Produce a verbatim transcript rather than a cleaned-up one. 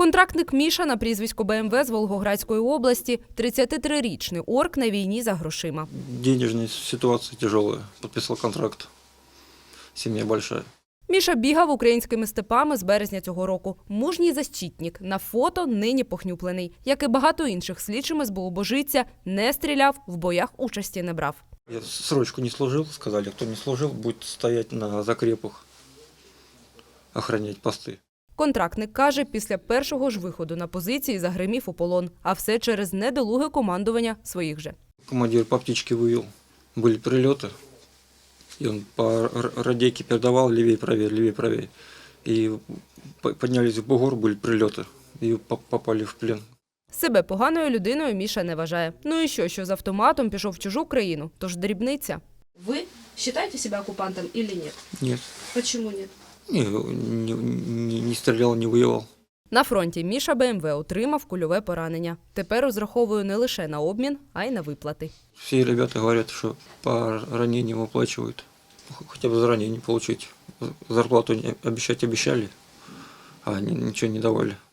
Контрактник Міша на прізвисько БМВ з Волгоградської області, тридцятитрирічний орк на війні за грошима. Денежная ситуация тяжелая. Подписал контракт. Семья большая. Міша бігав українськими степами з березня цього року. Мужній защитник. На фото нині похнюплений. Як і багато інших, слідчими СБУ Божиця не стріляв, в боях участі не брав. Я срочку не служил, сказали, кто не служил, будет стоять на закрепах, охранять посты. Контрактник каже, після першого ж виходу на позиції загримів у полон. А все через недолуге командування своїх же. Командир по птичке вывел. Были прилеты. И он по радейке передавал левее, правее, левее, правее. И поднялись в бугор, были прилеты. И попали в плен. Себе поганою людиною Міша не вважає. Ну і що, що з автоматом пішов в чужу країну? Тож дрібниця. Вы считаете себя оккупантом или нет? Нет. Почему нет? Не, не, не, не стрелял, не воевал. На фронті Міша БМВ отримав кульове поранення. Тепер розраховує не лише на обмін, а й на виплати. Все ребята говорят, что по ранениям выплачивают. Хотя бы за ранение получить. Зарплату обещать обещали, а они ничего не давали.